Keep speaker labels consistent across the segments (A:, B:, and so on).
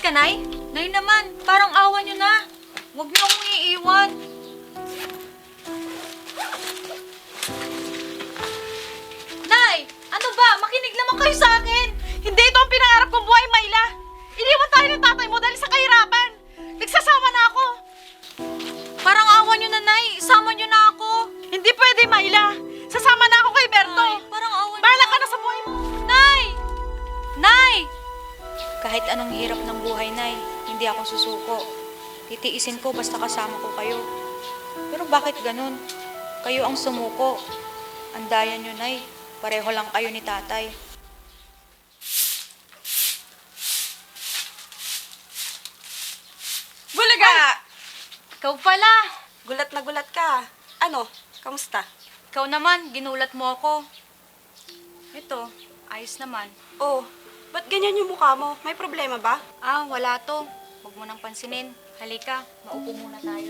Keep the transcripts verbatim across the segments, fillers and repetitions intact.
A: ka, Nay? Nay naman, parang awa niyo na. Huwag niyo akong iiwan. Nay! Ano ba? Makinig naman kayo sa akin!
B: Hindi ito ang pinangarap kong buhay, Myla! Iniwan tayo ng tatay mo dahil sa kahirapan! Nagsasama na ako!
A: Parang awa niyo na, Nay. Isama niyo na ako.
B: Hindi pwede, Myla! Sasama na ako kay Berto!
A: Nay, parang awa niyo
B: Bahala
A: na.
B: ka na sa buhay mo!
A: Nay! Nay! Kahit anong hirap ng buhay, Nay, hindi ako susuko. Titiisin ko basta kasama ko kayo. Pero bakit ganun? Kayo ang sumuko. Andayan niyo, Nay. Pareho lang kayo ni tatay.
B: Bulaga!
A: Ikaw pala.
B: Gulat na gulat ka. Ano? Kamusta?
A: Ikaw naman, ginulat mo ako. Ito, ayos naman.
B: Oh, ba't ganyan yung mukha mo? May problema ba?
A: Ah, wala to. Huwag mo nang pansinin. Halika, maupo muna tayo.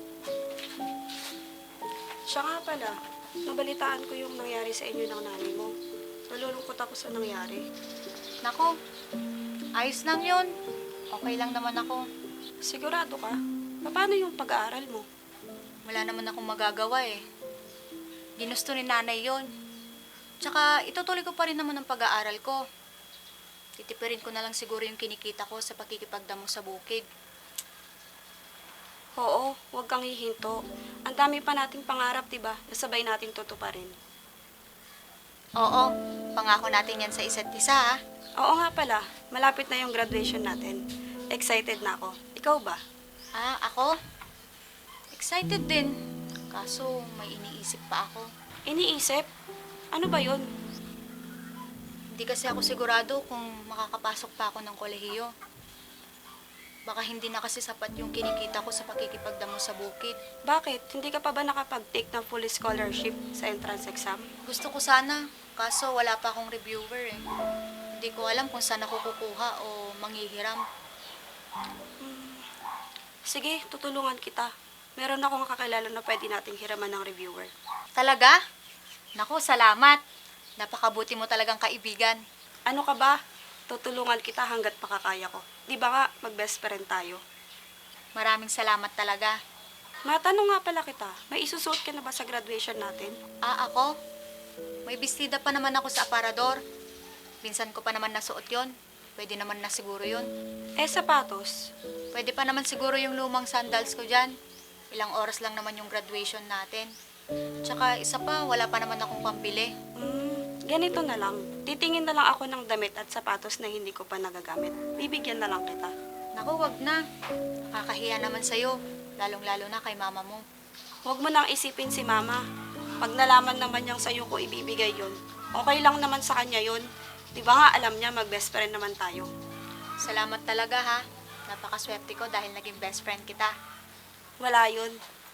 B: Siya nga pala, nabalitaan ko yung nangyari sa inyo ng nanay mo. Nalulungkot ako sa nangyari.
A: Nako, ayos lang yun. Okay lang naman ako.
B: Sigurado ka? Paano yung pag-aaral mo?
A: Wala naman akong magagawa eh. Ginusto ni nanay yon. Tsaka itutuloy ko pa rin naman ang pag-aaral ko. Titipirin ko na lang siguro yung kinikita ko sa pakikipagdamo sa bukid.
B: Oo, huwag kang hihinto. Ang dami pa nating pangarap, diba? Nasabay natin tutuparin.
A: Oo, pangako natin yan sa isa't isa ha.
B: Oo nga pala, malapit na yung graduation natin. Excited na ako. Ikaw ba?
A: Ah, ako? Excited din. Kaso may iniisip pa ako.
B: Iniisip? Ano ba yun?
A: Hindi kasi ako sigurado kung makakapasok pa ako ng kolehiyo. Baka hindi na kasi sapat yung kinikita ko sa pakikipagdamo sa bukid.
B: Bakit? Hindi ka pa ba nakapag-take ng full scholarship sa entrance exam?
A: Gusto ko sana, kaso wala pa akong reviewer eh. Hindi ko alam kung saan ako kukuha o manghihiram.
B: Sige, tutulungan kita. Meron akong kakilala na pwede nating hiraman ng reviewer.
A: Talaga? Naku, salamat. Napakabuti mo talagang kaibigan.
B: Ano ka ba? Tutulungan kita hanggat makakaya ko. Di ba nga, mag-best friend tayo?
A: Maraming salamat talaga.
B: Matanong nga pala kita, may isusuot ka na ba sa graduation natin?
A: Ah, ako? May bestida pa naman ako sa aparador. Pinsan ko pa naman nasuot yon. Pwede naman na siguro yon.
B: Eh, sapatos.
A: Pwede pa naman siguro yung lumang sandals ko dyan. Ilang oras lang naman yung graduation natin. Tsaka isa pa, wala pa naman akong pambili.
B: Hmm, ganito na lang. Titingin na lang ako ng damit at sapatos na hindi ko pa nagagamit. Bibigyan na lang kita.
A: Naku, wag na. Nakakahiya naman sa'yo. Lalong-lalo na kay mama mo.
B: Huwag mo nang isipin si mama. Pag nalaman naman niyang sa'yo ko ibibigay yun, okay lang naman sa kanya yun. Di ba nga alam niya mag-best friend naman tayo?
A: Salamat talaga ha. Napakaswerte ko dahil naging best friend kita.
B: Wala yun.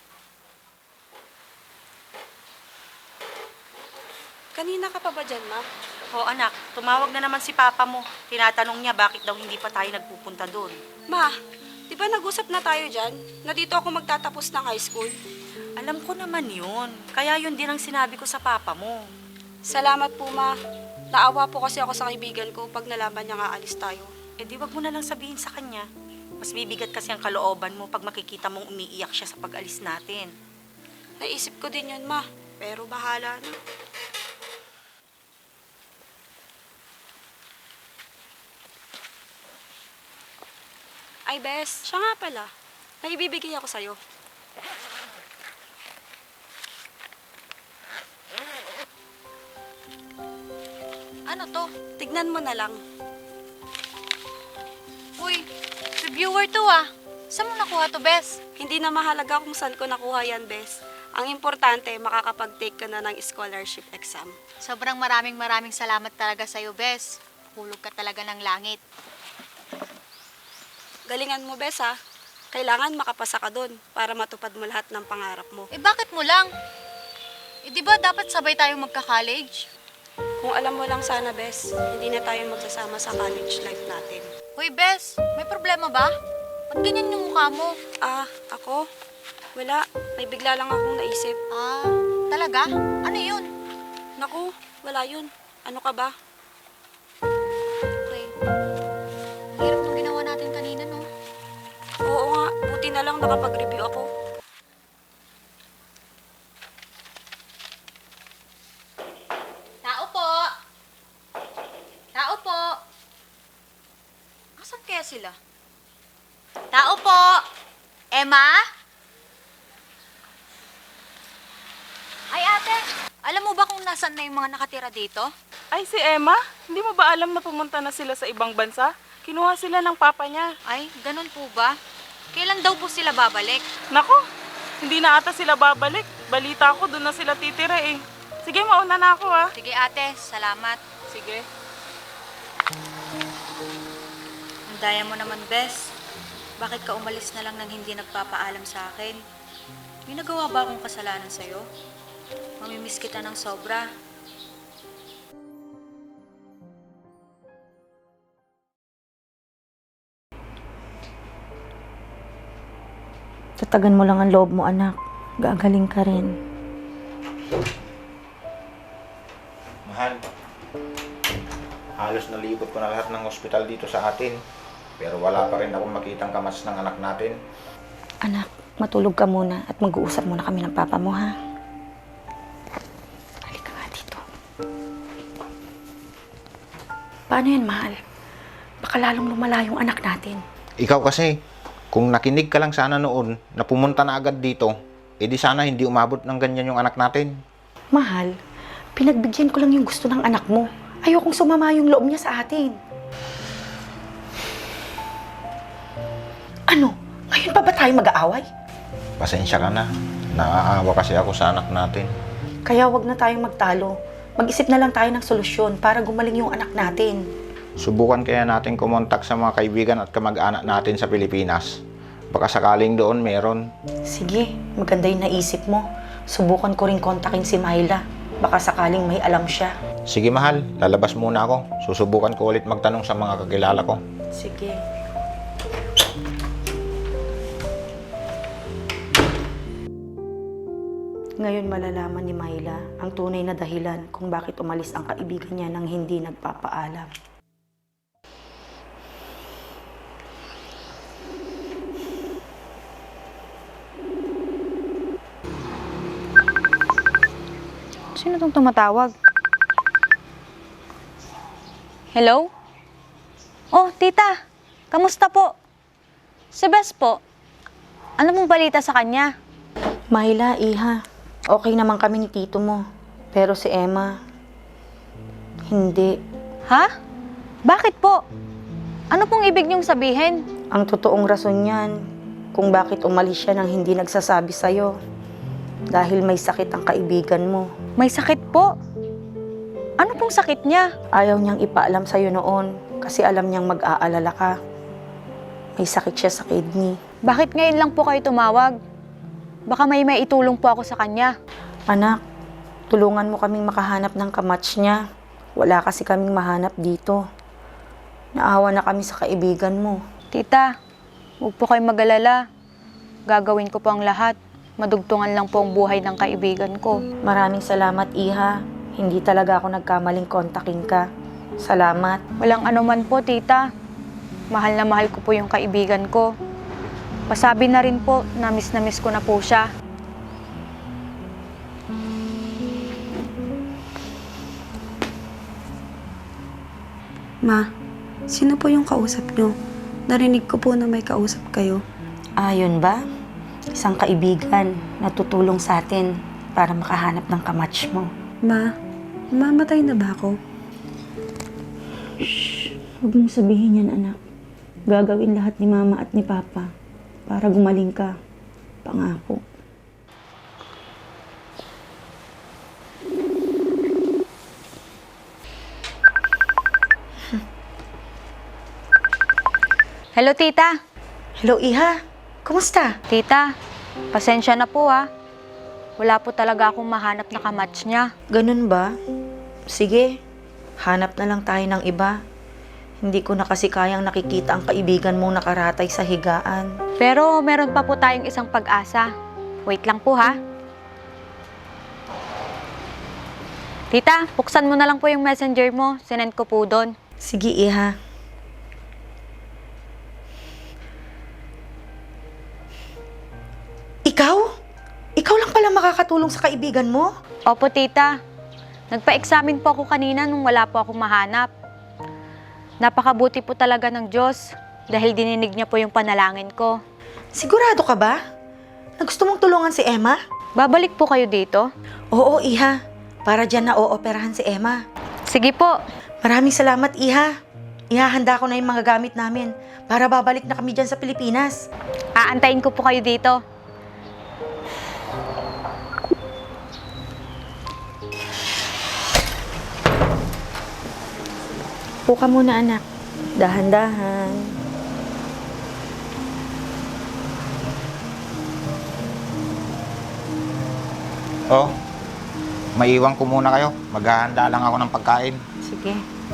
B: Kanina ka pa ba dyan, ma?
C: O anak, tumawag na naman si Papa mo. Tinatanong niya bakit daw hindi pa tayo nagpupunta doon.
B: Ma, di ba nag-usap na tayo dyan? Na dito ako magtatapos ng high school?
C: Alam ko naman yun. Kaya yun din ang sinabi ko sa Papa mo.
B: Salamat po, ma. Naawa po kasi ako sa kaibigan ko pag nalaman niya nga alis tayo.
C: Eh di wag mo na lang sabihin sa kanya. Mas bibigat kasi ang kalooban mo pag makikita mong umiiyak siya sa pag-alis natin.
B: Naisip ko din yun, ma. Pero bahala na. Ay, Bes, siya nga pala. May ibibigay ako sa'yo.
A: Ano to?
B: Tignan mo na lang.
A: Uy, reviewer to ah. Saan mo nakuha to, Bes?
B: Hindi na mahalaga kung saan ko nakuha yan, Bes. Ang importante, makakapag-take ka na ng scholarship exam.
A: Sobrang maraming maraming salamat talaga sa'yo, Bes. Hulog ka talaga ng langit.
B: Galingan mo, Bes, ha? Kailangan makapasa ka doon para matupad mo lahat ng pangarap mo.
A: Eh bakit mo lang? Eh di ba dapat sabay tayong magka-college?
B: Kung alam mo lang sana, Bes, hindi na tayo magsasama sa college life natin.
A: Hoy, Bes, may problema ba? Ba't ganyan yung mukha mo?
B: Ah, ako? Wala. May bigla lang akong naisip.
A: Ah, talaga? Ano yun?
B: Naku, wala yun. Ano ka ba?
A: Okay. Hirap nung ginawa natin kanina.
B: na lang nakapag-review ako.
A: Tao po! Tao po! Asan kaya sila? Tao po! Emma? Ay ate, alam mo ba kung nasan na yung mga nakatira dito?
D: Ay, si Emma? Hindi mo ba alam na pumunta na sila sa ibang bansa? Kinuha sila ng papa niya.
A: Ay, ganun po ba? Kailan daw po sila babalik?
D: Nako, hindi na ata sila babalik. Balita ko, doon na sila titira eh. Sige, mauna na ako ah.
A: Sige ate, salamat.
D: Sige.
A: Ang daya mo naman, Bes. Bakit ka umalis na lang nang hindi nagpapaalam sa akin? May nagawa ba akong kasalanan sa'yo? Mamimiss kita ng sobra.
C: Tatagan mo lang ang loob mo, anak. Gagaling ka rin.
E: Mahal, halos nalibot ko na lahat ng ospital dito sa atin. Pero wala pa rin akong makitang kamas ng anak natin.
C: Anak, matulog ka muna at mag-uusap muna kami ng papa mo, ha? Halika nga dito. Paano yan, mahal? Baka lalong lumala yung anak natin.
E: Ikaw kasi, kung nakinig ka lang sana noon na pumunta na agad dito, edi sana hindi umabot ng ganyan yung anak natin.
C: Mahal, pinagbigyan ko lang yung gusto ng anak mo. Ayokong sumama yung loob niya sa atin. Ano? Ngayon pa ba tayo mag-aaway?
E: Pasensya ka na. Naaawa kasi ako sa anak natin.
C: Kaya wag na tayong magtalo. Mag-isip na lang tayo ng solusyon para gumaling yung anak natin.
E: Subukan kaya natin kumontak sa mga kaibigan at kamag-anak natin sa Pilipinas. Baka sakaling doon meron.
C: Sige, maganda yung naisip mo. Subukan ko rin kontakin si Myla. Baka sakaling may alam siya.
E: Sige mahal, lalabas muna ako. Susubukan ko ulit magtanong sa mga kakilala ko.
C: Sige. Ngayon malalaman ni Myla ang tunay na dahilan kung bakit umalis ang kaibigan niya nang hindi nagpapaalam.
A: Sino tong tumatawag? Hello? Oh, tita. Kamusta po? Si Bes po. Ano mong balita sa kanya?
C: Myla, iha, okay naman kami ni tito mo. Pero si Emma, hindi.
A: Ha? Bakit po? Ano pong ibig niyong sabihin?
C: Ang totoong rason niyan kung bakit umalis siya nang hindi nagsasabi sa'yo. Dahil may sakit ang kaibigan mo.
A: May sakit po. Ano pong sakit niya?
C: Ayaw niyang ipaalam sa'yo noon kasi alam niyang mag-aalala ka. May sakit siya sa kidney.
A: Bakit ngayon lang po kayo tumawag? Baka may maitulong po ako sa kanya.
C: Anak, tulungan mo kaming makahanap ng kamatch niya. Wala kasi kaming mahanap dito. Naawa na kami sa kaibigan mo.
A: Tita, huwag po kayong mag-alala. Gagawin ko po ang lahat. Madugtungan lang po ang buhay ng kaibigan ko.
C: Maraming salamat, Iha. Hindi talaga ako nagkamaling kontakin ka. Salamat.
A: Walang anuman po, tita. Mahal na mahal ko po yung kaibigan ko. Pasabi na rin po, na miss na miss ko na po siya.
B: Ma, sino po yung kausap nyo? Narinig ko po na may kausap kayo.
C: Ayun ba? Isang kaibigan na tutulong sa atin para makahanap ng kamatch mo.
B: Ma, mamatay na ba ako?
C: Huwag mong sabihin yan, anak. Gagawin lahat ni Mama at ni Papa para gumaling ka. Pangako.
A: Hello, tita.
C: Hello, Iha. Kumusta?
A: Tita, pasensya na po ah. Wala po talaga akong mahanap na kamatch niya.
C: Ganun ba? Sige, hanap na lang tayo ng iba. Hindi ko na kasi kayang nakikita ang kaibigan mong nakaratay sa higaan.
A: Pero meron pa po tayong isang pag-asa. Wait lang po ha. Tita, buksan mo na lang po yung messenger mo. Sinend ko po doon.
C: Sige, Iha. makakatulong sa kaibigan mo?
A: Opo, tita. Nagpa-examine po ako kanina nung wala po akong mahanap. Napakabuti po talaga ng Diyos dahil dininig niya po yung panalangin ko.
C: Sigurado ka ba? Na gusto mong tulungan si Emma?
A: Babalik po kayo dito?
C: Oo, Iha. Para dyan na ooperahan si Emma.
A: Sige po.
C: Maraming salamat, Iha. Ihahanda ko na yung mga gamit namin para babalik na kami dyan sa Pilipinas.
A: Aantayin ko po kayo dito.
C: Puka muna, anak. Dahan-dahan.
E: Oh, maiwan ko muna kayo. Maghahanda lang ako ng pagkain.
C: Sige.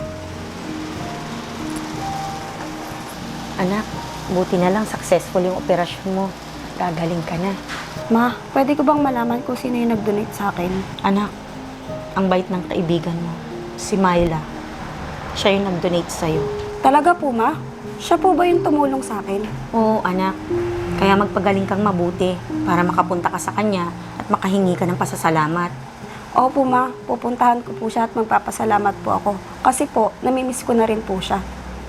C: Anak, buti na lang successful yung operasyon mo. Gagaling ka na.
B: Ma, pwede ko bang malaman kung sino yung nag-donate sa akin?
C: Anak, ang bait ng kaibigan mo, si Myla. Siya yung nag-donate sa'yo.
B: Talaga po, Ma? Siya po ba yung tumulong sa akin?
C: Oo, anak. Kaya magpagaling kang mabuti para makapunta ka sa kanya at makahingi ka ng pasasalamat.
B: Opo, Ma. Pupuntahan ko po siya at magpapasalamat po ako. Kasi po, namimiss ko na rin po siya.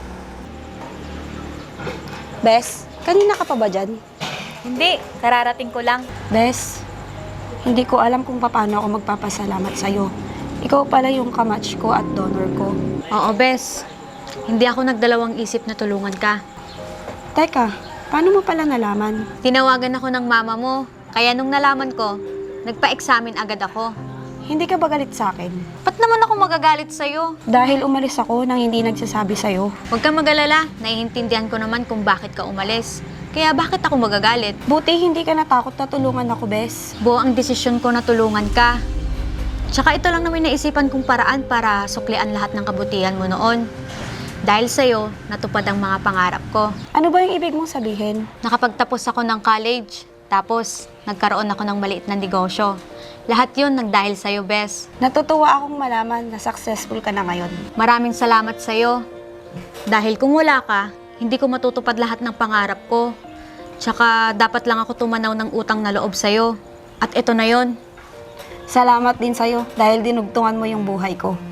B: Bes, kanina ka pa ba dyan?
A: Hindi, kararating ko lang.
B: Bes, hindi ko alam kung paano ako magpapasalamat sa'yo. Ikaw pala yung kamatch ko at donor ko.
A: Oo, Bes. Hindi ako nagdalawang isip na tulungan ka.
B: Teka, paano mo pala nalaman?
A: Tinawagan ako ng mama mo, kaya nung nalaman ko, nagpa-examine agad ako.
B: Hindi ka ba galit sa akin?
A: Ba't naman ako magagalit sa'yo?
B: Dahil umalis ako nang hindi nagsasabi sa'yo.
A: Huwag kang mag-alala, naiintindihan ko naman kung bakit ka umalis. Kaya bakit ako magagalit?
B: Buti hindi ka natakot na tulungan ako, Bes.
A: Buo ang desisyon ko na tulungan ka. Tsaka ito lang naman naisipan kong paraan para suklian lahat ng kabutihan mo noon. Dahil sa'yo, natupad ang mga pangarap ko.
B: Ano ba yung ibig mong sabihin?
A: Nakapagtapos ako ng college, tapos nagkaroon ako ng maliit na negosyo. Lahat yun nagdahil sa'yo, Bes.
B: Natutuwa akong malaman na successful ka na ngayon.
A: Maraming salamat sa'yo. Dahil kung wala ka, hindi ko matutupad lahat ng pangarap ko. Tsaka dapat lang ako tumanaw ng utang na loob sa'yo. At ito na yon.
B: Salamat din sa'yo dahil dinugtungan mo yung buhay ko.